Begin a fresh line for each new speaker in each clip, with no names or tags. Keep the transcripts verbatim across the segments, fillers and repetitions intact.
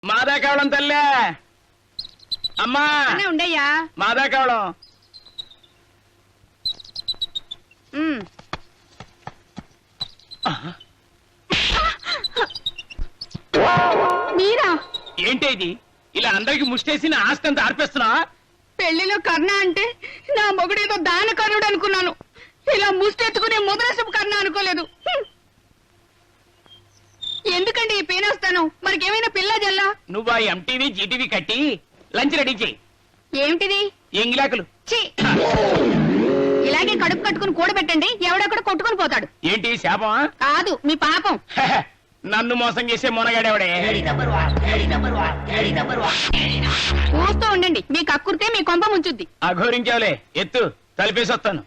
మాదా కావడం తల్లే అమ్మా
ఉండయ్యా
మాదా కావడం
మీరా
ఏంటి ఇది ఇలా అందరికి ముష్టేసి నా ఆస్తి అంతా ఆర్పేస్తున్నా
పెళ్లిలో కర్ణ అంటే నా మొగుడేదో దాన కర్ణుడు అనుకున్నాను. ఇలా ముష్టెత్తుకునే ముద్రసపు కర్ణ అనుకోలేదు. హ్మ్. ఎందుకండి ఈ పేనొస్తాను? మరికేమైనా పిల్ల జల్లా?
నువ్వు ఆ ఎంటీవీ జీటీవీ కట్టి లంచ్ రెడీ చేయి.
ఏమిటిది?
ఎంగిలాకులు.
ఛీ! ఇలాగే కడుపు కట్టుకుని కూడబెట్టండి, ఎవడొక్కడ కొట్టుకుని పోతాడు.
ఏంటి శాపమా?
కాదు, మీ పాపం.
నన్ను మోసం చేసే మొనగాడేవాడే.
చూస్తూ ఉండండి, మీ కక్కుర్తే మీ కొంప ముంచుద్ది.
అఘోరించావులే, ఎత్తు తలిపేసి వస్తాను.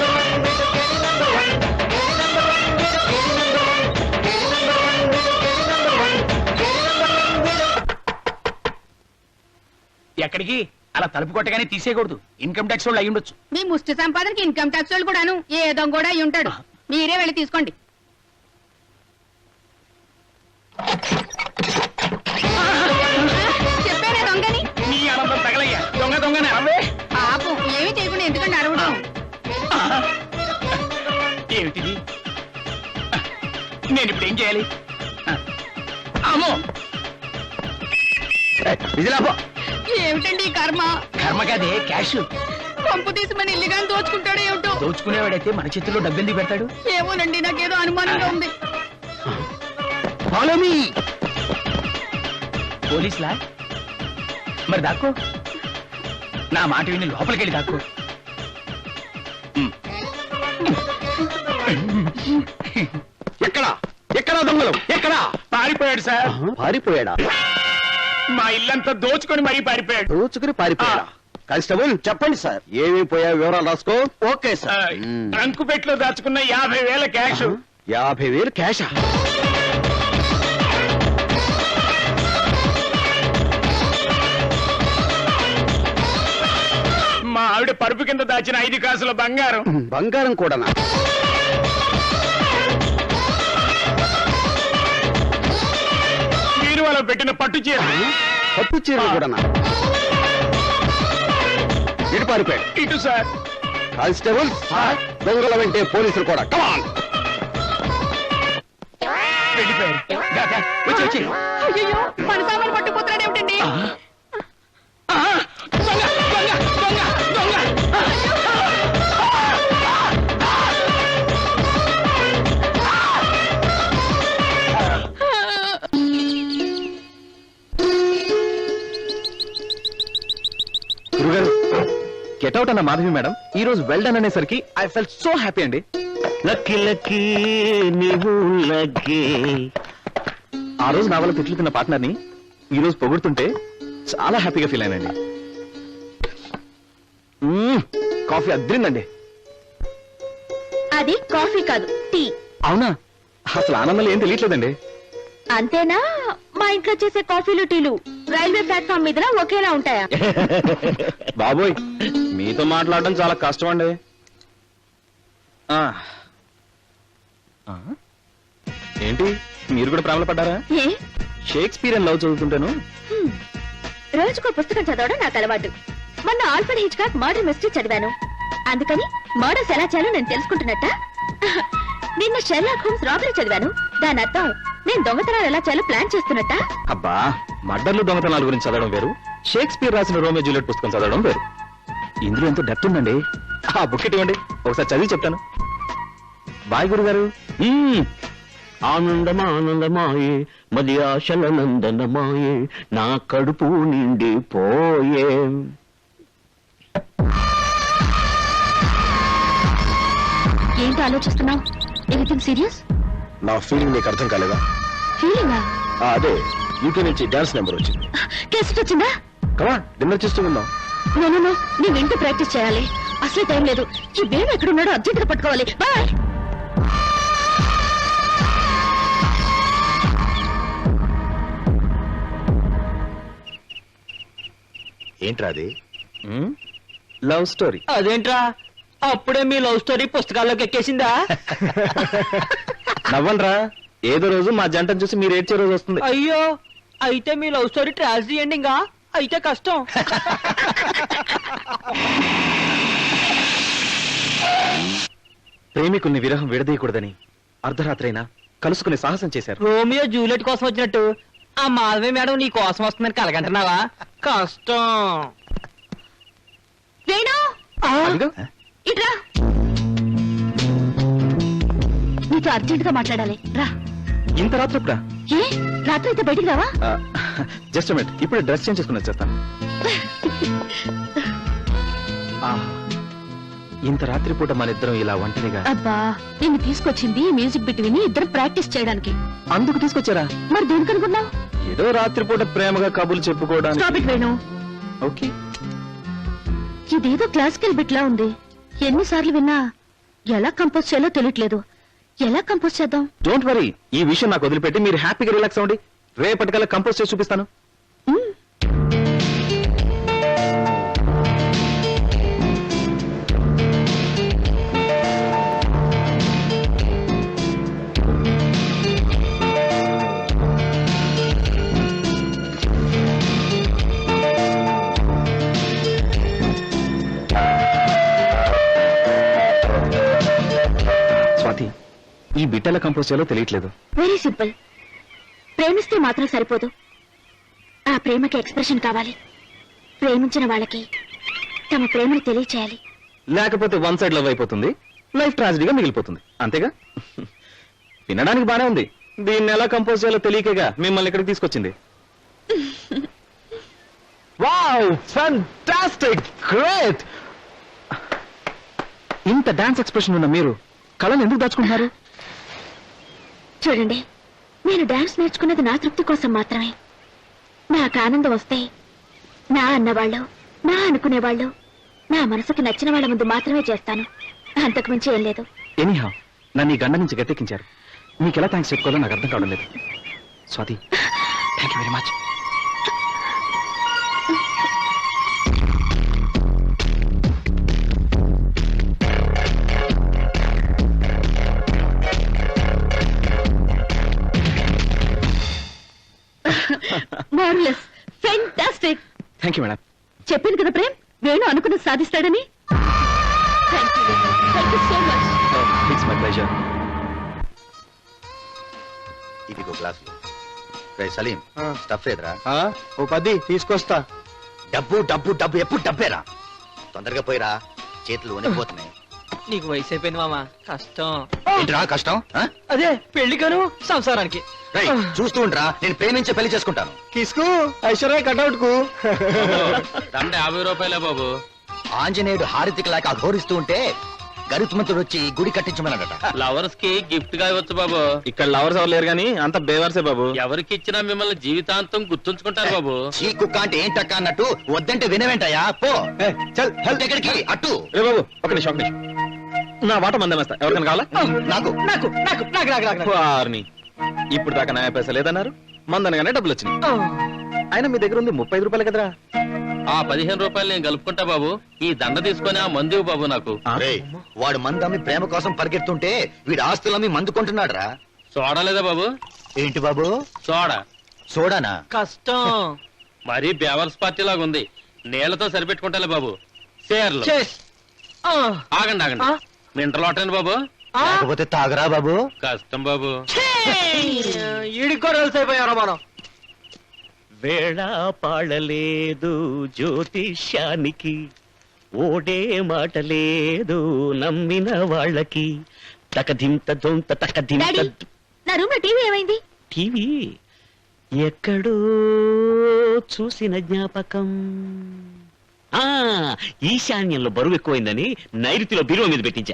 ఎక్కడికి? అలా తలుపు కొట్టగానే తీసేయకూడదు. ఇన్కమ్ ట్యాక్స్ వాళ్ళు అయి ఉండొచ్చు.
మీ ముష్టి సంపాదనకి ఇన్కమ్ ట్యాక్స్ వాళ్ళు కూడాను ఏదో కూడా అయి ఉంటాడు. మీరే వెళ్ళి తీసుకోండి. చెప్పానే దొంగని.
నీ ఆనందం తగలయ్యా. దొంగ దొంగనే అవే.
పాపం ఏమీ చేయకుండా ఎందుకంటే అరవడం.
ఏమిటిది? నేను ఇప్పుడు ఏం చేయాలి? అమ్మో,
ఏమిటండి ఈ కర్మ?
కర్మ కాదే, క్యాష్.
పంపు తీసి మన ఇల్లుగా దోచుకుంటాడో ఏమిటో.
దోచుకునేవాడైతే మన చేతుల్లో డబ్బెందుకు పెడతాడు?
ఏమోనండి, నాకేదో అనుమానంగా ఉంది.
పోలీసులా? మరి దాక్కో. నా మాట విని లోపలికెళ్ళి దాక్కో.
ఎక్కడా ఎక్కడా దొంగలు? ఎక్కడా?
పారిపోయాడు సార్.
పారిపోయాడా?
మా ఇల్లంతా దోచుకొని మరీ పారిపోయాడు.
దోచుకుని పారిపోయాడా? కానిస్టేబుల్ చెప్పండి సార్, ఏమేమి పోయా వివరాలు రాసుకో. Okay sir.
ట్రంకు పెట్లో దాచుకున్న యాభై వేల క్యాష్.
యాభై వేలు క్యాషా?
మా ఆవిడ పరుపు కింద దాచిన ఐదు కాసుల బంగారం.
బంగారం కూడానా?
బీరువాలో పెట్టిన పట్టు చీర.
పట్టు చీరలు కూడానా? ఇటు పారిపోయాడు.
ఇటు సార్.
కానిస్టేబుల్ దొంగల వెంటే పోలీసులు కూడా. కమాన్.
వెళ్ళిపోయారు. దా, దా, వచ్చి వచ్చి.
అయ్యో, మన సామాన్ పట్టుకుపోతున్నాడు ఏమిటండి?
దొంగ, దొంగ, దొంగ, దొంగ.
గురుగారు, గెట్అవుట్ అన్న మాధవి మేడం ఈ రోజు వెల్డన్ అనేసరికి ఐ ఫెల్ట్ సో హ్యాపీ అండి.
లక్కీ లక్కీ నీవు లక్కీ.
ఆ రోజు నా వల్ల తిట్లు తిన్న పార్ట్నర్ ని ఈ రోజు పొగుడుతుంటే చాలా హ్యాపీగా ఫీల్ అయినండి. మ్మ్, కాఫీ అద్రిందండి.
అది కాఫీ కాదు, టీ.
అవునా? అసలు ఆనందంలో ఏం తెలియట్లేదండి.
అంతేనా? మా ఇంట్లో చేసే కాఫీలు టీలు రైల్వే ప్లాట్ఫామ్ మీద ఒకేలా ఉంటాయా?
బాబోయ్, మీతో మాట్లాడడం చాలా కష్టం అండి. ఆ. ఆ? ఏంటి, మీరు కూడా ప్రేమలో పడ్డారా?
ఏ?
షేక్స్పియర్ లవ్ చదువుతుంటాను.
హ్మ్. రోజుకో పుస్తకం చదవడం నాకు అలవాటు. మొన్న ఆల్ఫ్రెడ్ హిచ్కాక్ మర్డర్ మిస్టరీ చదివాను. అందుకని మర్డర్స్ ఎలా చేయాలో నేను తెలుసుకుంటున్నట్ట. నిన్న షెర్లాక్ హోమ్స్ రాబరీ చదివాను. దాని అర్థం నేను దొంగతనాలు ఎలా చేయాలో ప్లాన్ చేస్తున్నట్ట.
అబ్బా, మర్డర్లు దొంగతనాల గురించి చదవడం వేరు, షేక్స్పియర్ రాసిన రోమియో జూలియట్ పుస్తకం చదవడం వేరు. ఇందులో ఎంతో డెప్త్ ఉందండి. ఆ బుక్ ఇవ్వండి, ఒకసారి చదివి చెప్తాను. బాయ్ గురుగారు.
ఆనందమానందమాయే మది ఆశల నందనమాయే నా కడుపు నిండి పోయే.
ఏంటి ఆలోచిస్తున్నావు? Anything serious?
నా ఫీలింగ్ నీకు అర్థం కాలేదా?
ఫీలింగా?
అదే యూకే నుంచి డాన్స్ నెంబర్ వచ్చింది.
కేసెట్ వచ్చిందా?
కమా డిన్నర్ చేస్తూ ఉందాం.
నేను నీ వెంట ప్రాక్టీస్ చేయాలి. అసలు టైం లేదు. ఈ బేబీ ఎక్కడున్నాడో అర్జెంట్ గా పట్టుకోవాలి. బాయ్.
ఏంట్రా అది?
Love story.
అదేంట్రా, అప్పుడే మీ లవ్ స్టోరీ పుస్తకాల్లోకి ఎక్కేసిందా?
నవ్వండ్రా, ఏదో రోజు మా జంటను చూసి మీరు ఏడ్చే రోజు వస్తుంది.
అయ్యో, అయితే మీ లవ్ స్టోరీ ట్రాజడీ ఎండింగా అయితే కష్టం.
ప్రేమికుల్ని విరహం విడదీయకూడదని అర్ధరాత్రైనా కలుసుకునే సాహసం చేశారు.
రోమియో జూలియట్ కోసం వచ్చినట్టు ఆ మాధవి మేడం నీ కోసం వస్తుందని కలగంటున్నావా? కష్టం.
వేణు
అదిగో,
ఇట్రా, నీతో అర్జెంట్ గా మాట్లాడాలి, రా.
ఇంత రాత్రి ఇప్పుడా?
ఏ రాత్రి అయితే బయటికి రావా?
జస్ట్ మినిట్, ఇప్పుడు డ్రెస్ చేంజ్ చేసుకుని వచ్చేస్తాను. ఆ, ఇంత రాత్రి పూట మన ఇద్దరం ఇలా ఒంటరిగా.
అబ్బా, నిన్ను తీసుకొచ్చింది మ్యూజిక్ బిట్ విని ఇద్దరు ప్రాక్టీస్ చేయడానికి.
అందుకు తీసుకొచ్చారా?
మరి దేనికి అనుకున్నావు?
ఏదో రాత్రిపూట ప్రేమగా కబుర్లు చెప్పుకోవడానికి.
Stop it Venu.
ఓకే,
ఇదేదో క్లాసికల్ బిట్ లా ఉంది. ఎన్నిసార్లు విన్నా ఎలా కంపోజ్ చేయాలో తెలియట్లేదు. ఎలా కంపోజ్ చేద్దాం?
డోంట్ వరీ, ఈ విషయం నాకు వదిలిపెట్టి మీరు హ్యాపీగా రిలాక్స్ అవ్వండి. రేపటికల్లా కంపోజ్ చేసి చూపిస్తాను.
మ్మ్.
స్వాతి, ఈ బిట్ ఎలా కంపోజ్ చేయాలో తెలియట్లేదు.
Very simple. ప్రేమిస్తే మాత్రం సరిపోదు, ఆ ప్రేమకి ఎక్స్ప్రెషన్ కావాలి. ప్రేమించిన వాళ్ళకి తమ ప్రేమను తెలియచేయాలి.
లేకపోతే వన్ సైడ్ లవ్ అయిపోతుంది, లైఫ్ ట్రాజడీగా మిగిలిపోతుంది. అంతేగా? వినడానికి బానే ఉంది. దీన్ని ఎలా కంపోజ్ చేయాలో తెలియకగా మిమ్మల్ని ఇక్కడికి తీసుకొచ్చింది. Wow, fantastic, great! ఇంత డాన్స్ ఎక్స్ప్రెషన్ ఉన్న మీరు కళను ఎందుకు దాచుకుంటున్నారు?
చూడండి, నేను డాన్స్ నేర్చుకున్నది నా తృప్తి కోసం మాత్రమే. నాకు ఆనందం వస్తే నా అన్నవాళ్ళు, నా అనుకునేవాళ్ళు, నా మనసుకి నచ్చిన వాళ్ళ ముందు మాత్రమే చేస్తాను. అంతకు మించి ఏం లేదు.
ఎనీహా, నన్ను ఈ గండ నుంచి గట్టెక్కించారు. మీకు ఎలా థ్యాంక్స్ చెప్పుకోవాలో నాకు అర్థం కావడం లేదు. Swathi, thank you very much.
Marvellous, fantastic.
Thank you madam.
చెప్పింది కదా ప్రేమ్, వేణు అనుకున్నది సాధిస్తాడని. Thank you thank you so much.
It's my pleasure.
ఇదిగో గ్లాసులు. రే సలీం, స్టఫ్ ఏదరా?
ఓ పది తీసుకొస్తా.
డబ్బు డబ్బు డబ్బు ఎప్పుడు డబ్బేరా. తొందరగా పోయిరా, చేతులు వణికిపోతున్నాయి.
నీకు వయసు అయిపోయింది మామ, కష్టం.
ఏంట్రా కష్టం? ఆ?
అదే పెళ్లికను సంసారానికి.
రేయ్, చూస్తూ ఉండరా, నేను ప్రేమించే పెళ్లి చేసుకుంటాను.
కిసుకు ఐశ్వర్య కటౌట్ కు
దండ యాభై రూపాయలే బాబు.
ఆంజనేయుడు హారతికి లేక అఘోరిస్తూ ఉంటే గరుత్మంతుడు వచ్చి గుడి కట్టించమన్నాడట.
లవర్స్ కి గిఫ్ట్ గా ఇవ్వచ్చు బాబు.
ఇక్కడ లవర్స్ ఎవరు లేరు కానీ అంత బేవర్సే బాబు.
ఎవరికి ఇచ్చినా మిమ్మల్ని జీవితాంతం గుర్తుంచుకుంటారు బాబు.
చీ కుక్క అంటే ఏంటక్క అన్నట్టు వద్దంటే వినవేంటయ్యా? పో చల్ హెల్త్ ఎక్కడికి అట్టు.
రే బాబు, ఒక నిమిషం, ఒక నిమిషం. నా వాట మందమేస్తా. ఎవరికైనా కావాలా?
నాకు
నాకు నాకు నాకు నాకు నాకు
వారిని ఇప్పుడు దాకా నాయ పైసా లేదన్నారు, మందనగానే డబ్బులు వచ్చినాయి. అయినా మీ దగ్గర ఉంది ముప్పై ఐదు రూపాయలు కదరా.
ఆ పదిహేను రూపాయలు నేను కలుపుకుంటా బాబు. ఈ దండ తీసుకొని ఆ మందు ఇవ్వు బాబు నాకు.
రేయ్, వాడు మందమ్మి ప్రేమ కోసం పరిగెత్తుంటే వీడు ఆస్తులమ్మి మందు కొంటున్నాడు రా.
సోడా లేదా బాబు?
ఏంటి బాబు?
సోడా
సోడానా?
కష్టం.
మరీ బేవర్స్ పార్టీ లాగా ఉంది. నీళ్లతో సరిపెట్టుకుంటాలే బాబు. షేర్లు.
చేస్. ఆ,
ఆగండి ఆగండి.
ఆ?
మింటర్ లోటండి బాబు.
ఆ?
లేకపోతే తాగరా బాబు.
కష్టం బాబు.
ఈడికి కూడా కలిసి అయిపోయారా మనం?
వేళ పాడలేదు జ్యోతిష్యానికి, ఓడే మాట లేదు నమ్మిన వాళ్ళకి. తకధింత దొంత తకధింత.
డాడీ, నా రూమ్ లో టీవీ ఏమైంది?
టీవీ ఎక్కడో చూసిన జ్ఞాపకం. ఆ ఈశాన్యంలో బరువు ఎక్కువైందని నైరుతిలో బీరువా మీద పెట్టించా.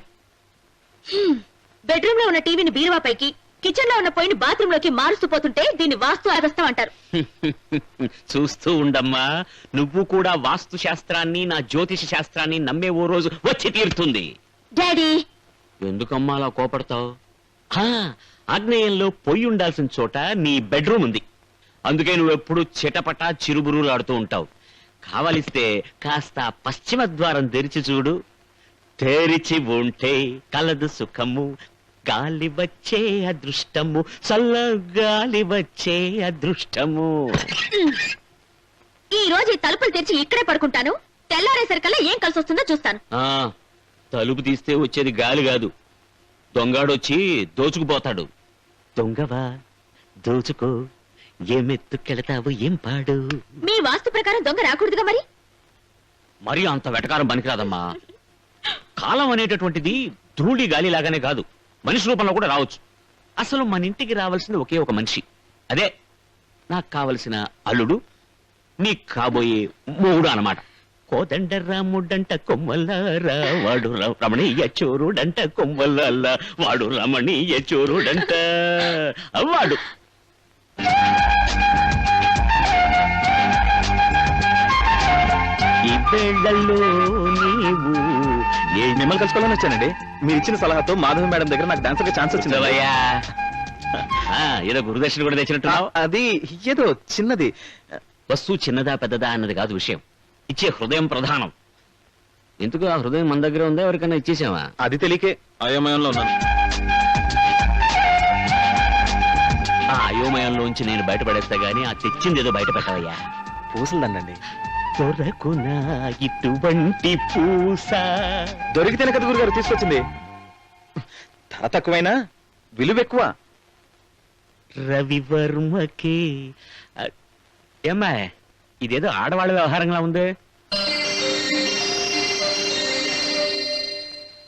బెడ్రూమ్ లో ఉన్న టీవీని బీరువా పైకి, కిచెన్ లో ఉన్న పొయ్యిని బాత్రూమ్ లోకి మారుస్తూ పోతుంటే దీన్ని వాస్తు అదస్తం అంటారు.
చూస్తూ ఉండమ్మా, నువ్వు కూడా వాస్తు శాస్త్రాన్ని నా జ్యోతిష శాస్త్రాన్ని నమ్మే ఓ రోజు వచ్చి తీరుతుంది.
డాడీ,
ఎందుకమ్మా అలా కోపడతావు? ఆగ్నేయంలో పొయ్యి ఉండాల్సిన చోట నీ బెడ్రూమ్ ఉంది. అందుకే నువ్వెప్పుడు చిటపటా చిరుబురులాడుతూ ఉంటావు. కావలిస్తే కాస్త పశ్చిమ ద్వారం తెరిచి చూడు. తెరిచి ఉంటే కలదు సుఖము, గాలి వచ్చే అదృష్టము చల్ల గాలి వచ్చే అదృష్టము.
ఈ రోజు ఈ తలుపులు తెరిచి ఇక్కడే పడుకుంటాను. తెల్లారేసరికల్లా ఏం కలిసి వస్తుందో చూస్తాను.
ఆ తలుపు తీస్తే వచ్చేది గాలి కాదు, దొంగాడొచ్చి దోచుకుపోతాడు. దొంగవా దోచుకో, ఏమెత్తుకెళతావు ఏం పాడు.
మీ వాస్తు ప్రకారం దొంగ రాకూడదుగా మరి.
మరి అంత వెటకారం పనికిరాదమ్మా. కాలం అనేటటువంటిది ధూళి గాలి లాగానే కాదు, మనిషి రూపంలో కూడా రావచ్చు. అసలు మన ఇంటికి రావాల్సింది ఒకే ఒక మనిషి, అదే నాకు కావలసిన అల్లుడు, నీకు కాబోయే మూడు అన్నమాట. కోదండ రాముడంట కొమ్మల్లారా వాడు ర- రమణీయ చోరుడంట కొమ్మల్లాల వాడు రమణీయ చోరుడంట వాడు. ఈ వేళల్లో నీవు ఏ
మిమ్మల్ని కలుసుకోవాలని వచ్చానండి. మీరు ఇచ్చిన సలహాతో మాధవి మేడం దగ్గర నాకు డాన్సర్ గా ఛాన్స్ వచ్చింది.
కూర్చోవయ్యా. ఆ, ఏదో గురుదర్శన కూడా తెచ్చినట్టున్నావు.
అది ఏదో చిన్నది.
వస్తువు చిన్నదా పెద్దదా అన్నది కాదు విషయం, ఇచ్చే హృదయం ప్రధానం. ఎందుకు ఆ హృదయం మన దగ్గర ఉందా, ఎవరికైనా ఇచ్చేసావా?
అది తెలియకే అయోమయంలో ఉన్నాను.
ఆ అయోమయంలోంచి నేను బయటపడేస్తా గానీ ఆ తెచ్చింది ఏదో బయట పెట్టవయ్యా.
పూసలుదండి.
దొరకునా ఇటువంటి పూస.
దొరికితేనే కదా గురుగారు తీసుకొచ్చింది. ధర తక్కువైనా విలువ ఎక్కువ.
రవివర్మకి. ఏమ్మా ఇదేదో ఆడవాళ్ళ వ్యవహారంగా ఉంది.